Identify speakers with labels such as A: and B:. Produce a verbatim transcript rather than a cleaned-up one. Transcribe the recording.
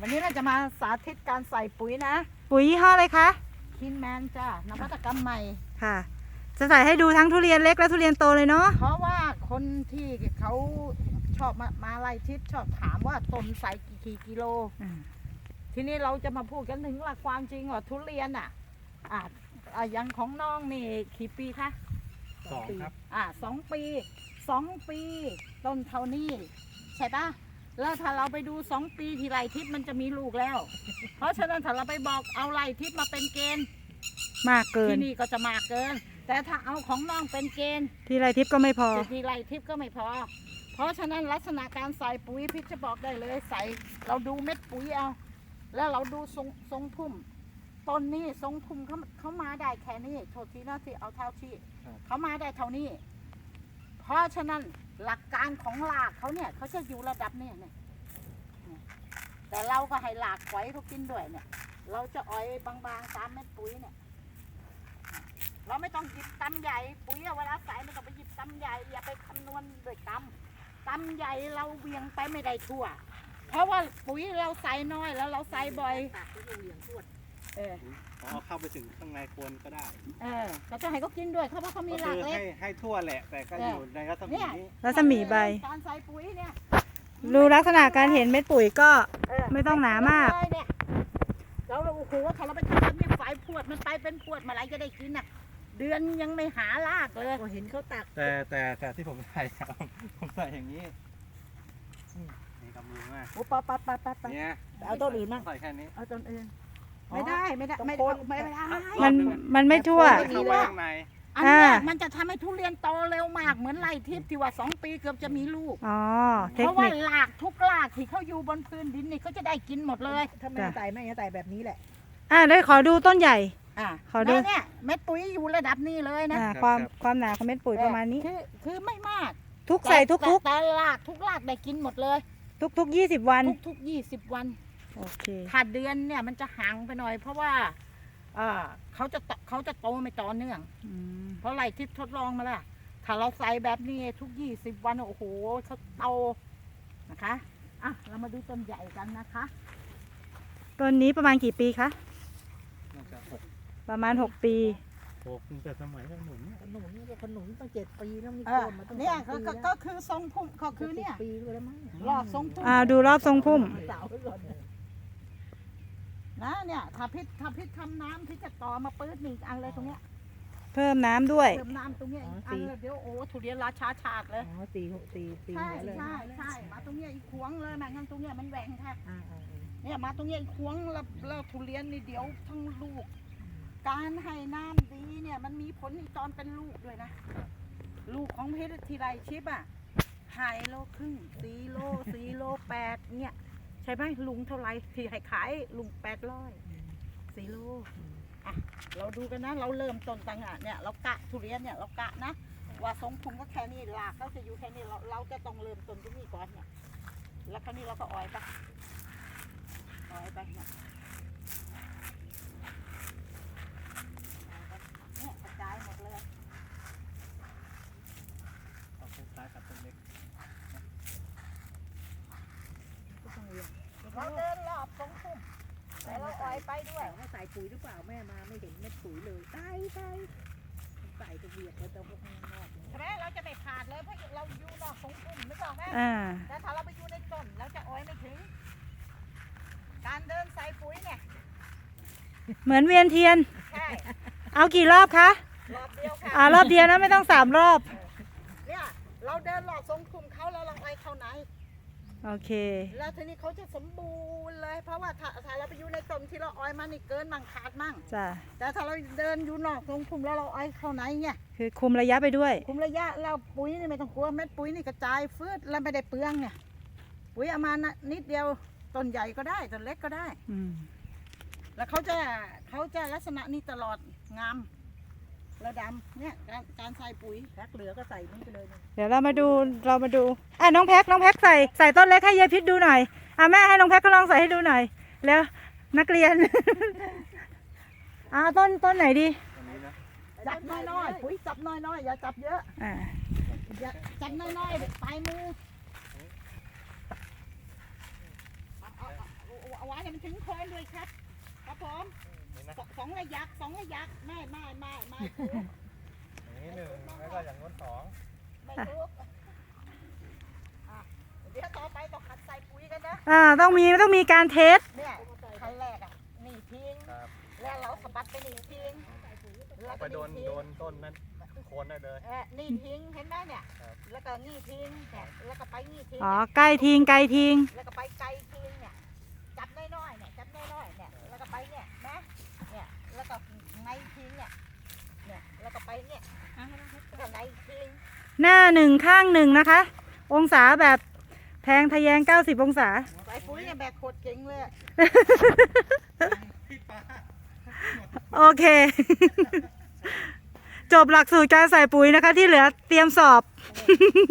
A: วันนี้เราจะมาสาธิตการใส่ปุ๋ยนะ
B: ปุ๋ยยี่ห้ออะไรคะ
A: คินแมนจ้านวัตกรรมใหม่
B: ค่ะ จะใส่ให้ดูทั้งทุเรียนเล็กและทุเรียนโตเลยเนาะ
A: เพราะว่าคนที่เขาชอบมามาไล่ทิศชอบถามว่าต้นใส่กี่กิโล ทีนี้เราจะมาพูดกันถึงหลักความจริงว่าทุเรียนอ่ะอ่าอ่าอย่างของน้องนี่กี่ปีคะ
C: สองครับ
A: อ่าสองปีสองปีต้นเท่านี้ใช่ปะแล้วถ้าเราไปดูสองปีที่ไร่ทิพย์มันจะมีลูกแล้ว เพราะฉะนั้นถ้าเราไปบอกเอาไร่ทิพย์มาเป็นเกณฑ์
B: มากเกิน
A: ที่นี่ก็จะมากเกิน แต่ถ้าเอาของน้องเป็นเกณฑ์
B: ที่ไรทิพย์ก็ไม่พอ
A: ที่ไร่ทิพย์ก็ไม่พอ เพราะฉะนั้นลักษณะการใส่ปุ๋ยพิชจะบอกได้เลยใส่เราดูเม็ดปุ๋ยเอาแล้วเราดูทรงทรงพุ่มต้นนี้ทรงพุ่มเขาเขามาได้แค่นี้โทษทีนะที่เอาเท่าที่เขามาได้เท่านี้ เพราะฉะนั้นหลักการของหลากเขาเนี่ยเขาจะอยู่ระดับเนี่ยเนี่ยแต่เราก็ให้หลากไว้เขากินด้วยเนี่ย เราจะอ้อยบางๆตามเม็ดปุ๋ยเนี่ยเราไม่ต้องหยิบตำใหญ่ปุ๋ยเวลาใส่ไม่ต้องไปหยิบตำใหญ่อย่าไปคำนวณด้วยตำตำใหญ่เราเวียงไปไม่ได้ทั่ว เพราะว่าปุ๋ยเราใส่น้อยแล้วเราใส่บ่อยเออ
C: พอเข้าไปถึงข้างในโคนก็ได้
A: เออก็จะให้เขากินด้วยเขาเพราะเขามี
C: ก็
A: หลา
C: คื
A: ก
C: อ
A: เล็ก
C: ให้ให้ทั่วแหละ แต่ก็อยู่ในรัศมีนี้
B: รัศมีใบ
A: การใส่ปุ๋ยเนี่ย
B: ดูลักษณะการเห็นเม็ดปุ๋ยก็
A: เออ
B: ไม่ต้องหนามาก
A: เลยเนี่ยเราโอ้โหถ้าเราไปทำแบบนี้ฝ่ายพวดมันไปเป็นพวดเมื่อไหรจะได้กินน่ะ เดือนยังไม่หาลากเลยเห็นเขาตัก
C: แต่แต่แต่ที่ผมใส่ ผมใส่อย่างนี้อืมนี่กำมือมาก
A: โอ้ปะปะปะปะปะ
C: เนี่ย
A: เอาต้นอื่นมั่ง
C: ใส่แค่นี้
A: เอาต้นอื่นไม่ได้ไม่ได้ไม่ได้ไม่ได้
B: มันมันไม่ทั่ว
C: เข้าไปข้างใน
A: อันเนี้ย
B: อ่า
A: มันจะทำให้ทุเรียนโตเร็วมากเหมือนไร่ทิพย์ที่ว่าสองปีเกือบจะมีลูก
B: อ๋อ เท
A: เพ
B: ค
A: ราะว่า
B: นิค
A: หลากทุกหลากที่เขาอยู่บนพื้นดินนี่เขาจะได้กินหมดเลย
D: ถ้าไม่ใส่ไม่ใส่แบบนี้แหละ
B: อ่าได้ขอดูต้นใหญ่
A: อ่า
B: ขอดู
A: แล้วเนี่ยเม็ดปุ๋ยอยู่ระดับนี้เลยนะ
B: อ่าความความหนาของเม็ดปุ๋ยประมาณนี้
A: คือคือไม่มาก
B: ทุกใส่ทุก
A: แต่
B: ทุก
A: แต่หลากทุกหลากได้กินหมดเลย
B: ทุกทุกยี่สิบวัน
A: ทุกทุกยี่สิบวัน
B: โอเค
A: ขาดเดือนเนี่ยมันจะห่างไปหน่อย เพราะว่าเอ่อเขาจะเขาจะโตไม่ต่อเนื่อง
B: อืม
A: เพราะไรทิพย์ทดลองมาแล้วถ้าเราใส่แบบนี้ทุกยี่สิบวันโอ้โหเขาโตนะคะอ่ะเรามาดูต้นใหญ่กันนะคะ
B: ต้นนี้ประมาณกี่ปีคะ
C: น่าจะหก
B: ประมาณหกปี
C: หกตั้งแต่สมัยขนุน
D: ขนุนนี่ก็ขนุนตั้งเจ็ดปีแล้วมี
A: เอ
D: โค
A: อน
D: มาตั้ง
A: เนี่ย
D: สาม
A: ก็
D: ปี
A: ก็
D: แล้ว
A: ก็คือทรงพุ่มก็คือเนี่ย
D: ปีด้วยแล้วมั้ง
A: รอบทรงพุ่ม
B: อ่าดูรอบทรงพุ่ม
D: สาวไว้ก่อนนะ
A: นะเนี่ยถ้าพิษถ้าพิษทำน้ำพิษจะต่อมาปื๊ดนี่อีกอันเลยตรงเนี้ย
B: เพิ่มน้ำด้วย
A: เติมน้ำตรงเนี้ยอีกอันเลยเดี๋ยวโอ้ทุเรียนราชาชาติเลย
D: อ๋อสี่หกสี่ปี
A: ใช่
D: แล้วเลย
A: ใช่ใช่มาตรงเนี้ยอีกขวงเลยแม่งั้นตรงเนี้ยมันแหว่งค่ะ
D: อ่าอ่าอ่า
A: เนี่ยมาตรงเนี้ยอีกขวงแล้วแล้วทุเรียนนี่เดี๋ยวทั้งลูก การให้น้ำดีเนี่ยมันมีผลตอนเป็นลูกด้วยนะ ลูกของเพชรทีไรชิปอ่ะหายโลครึ่งสี่โลสี่โลแปดเนี่ยใช่ไหมลุงเท่าไรที่ให้ขายลุงแปดร้อยสี่โลอ่ะเราดูกันนะเราเริ่มต้นตังอ่ะเนี่ยเรากะทุเรียนเนี่ยเรากะนะว่าทรงพุงก็แค่นี้หลากเขาจะอยู่แค่นี้เราเราจะต้องเริ่มต้นตรงนี้ก่อนเนี่ยแล้วคราวนี้เราก็อ้อยไปอ้อยไปเนี่ยเนี่ยกระจายหมดเลย
C: เอาต้นซ้ายกับต้นเล็ก
D: ก็ต้องเรียน
A: เราเดินรอบทรงพุ่มแต่เราอ้อยไปด้วย
D: ให้ใส่ปุ๋ยหรือเปล่าแม่มาไม่เห็นเม็ดปุ๋ยเลยใส่ใส่ใส่ตะเบียดแล้วจะพวกข้างนอก
A: ใช่ไหมเราจะไม่ขาดเลยเพราะเราอยู่นอกทรงพุ่มไม่ต้องไหม
B: อ่า
A: แต่ถ้าเราไปอยู่ในต้นเราจะอ้อยไม่ถึง การเดินใส่ปุ๋ยเนี่ย
B: เหมือนเวียนเทียน
A: ใช่
B: เอากี่รอบคะ
A: รอบเดียวค่ะ
B: อ่ารอบเดียวนะไม่ต้องสามรอบ
A: เนี่ยเราเดินรอบทรงพุ่มเขาแล้วเราอ้อยเข้าไหน
B: โอเค
A: แล้วทีนี้เขาจะสมบูรณ์เลย เพราะว่าถ้าถ้าเราไปอยู่ในต้นที่เราอ้อยมันนี่เกินมั่งขาดมั่ง
B: จ้ะ
A: แต่ถ้าเราเดินอยู่นอกทรงพุ่มแล้วเราอ้อยเข้าไหนเนี่ย
B: คือคุมระยะไปด้วย
A: คุมระยะเราปุ๋ยนี่ไม่ต้องกลัวเม็ดปุ๋ยนี่กระจายฟืดแล้วไม่ได้เปลืองเนี่ยปุ๋ยเอามานะนิดเดียวต้นใหญ่ก็ได้ต้นเล็กก็ได้
B: อืม
A: แล้วเขาจะเขาจะลักษณะนี้ตลอดงามระดำเนี่ยการการใส่ปุ๋ย
D: แพ็คเหลือก็ใส่นี่ไปเลยนะ
B: เดี๋ยวเรามาดูเรามาดูอ่ะน้องแพ็คน้องแพ็คใส่ใส่ต้นเล็กให้ยายพิษดูหน่อยอ่ะแม่ให้น้องแพ็คเขาลองใส่ให้ดูหน่อยแล้วนักเรียน อ่าต้นต้นไหนดี
C: อันนี้นะ
A: จับน้อยๆปุ๋ยจับน้อยๆอย่าจับเยอะ
B: อ่า
A: อย่าจับน้อยๆปลายมือเอาเอาเอาเอาเอาไว้ถึงโคนด้วยครับครับผม
C: นี่นะ
A: สสองระยักสองระยักไม่ไม่ไม่ไม่ถูก
C: อย่างนี้หนึ่งแล้วก็อย่างโน้นสอง
A: ไม่ถูกอ่ะเดี๋ยวต่อไปต้องขัดใส่ปุ๋ยกันนะ
B: อ่าต้องมีต้องมีการเทส
A: เนี่ยขั้นแรกอ่ะนี่ทิ้ง
C: ครับ
A: แล้วเราสะบัดไปนี่ทิ้งแล้ว
C: ไป
A: ก็
C: โดน
A: ทิ้ง
C: โดนต้นนั้นโคนได้เลย
A: เออนี่ทิ้งเห็นไหมเนี่ย
C: ครับ
A: แล้วก็นี่ทิ้งเนี่ยแล้วก็ไปนี่ทิ้ง
B: อ๋อใกล้ทิ้งไกลทิ้ง
A: แล้วก็ไปไกลทิ้งเนี่ยจับน้อยๆเนี่ยจับน้อยๆเนี่ยแล้วก็ไปเนี่ยนะเนี่ยแล้วก็ในทิ้งเนี่ยเนี่ยแล้วก็ไปเนี่ยแล้วก็ในทิ้ง
B: หน้าหนึ่งข้างหนึ่งนะคะ องศาแบบแทงทะแยง เก้าสิบ องศา
A: ใส่ปุ๋ยเนี่ยแบกโคตรเก่งเลย
C: พี่ป้า
B: โอเค จบหลักสูตรการใส่ปุ๋ยนะคะ ที่เหลือเตรียมสอบ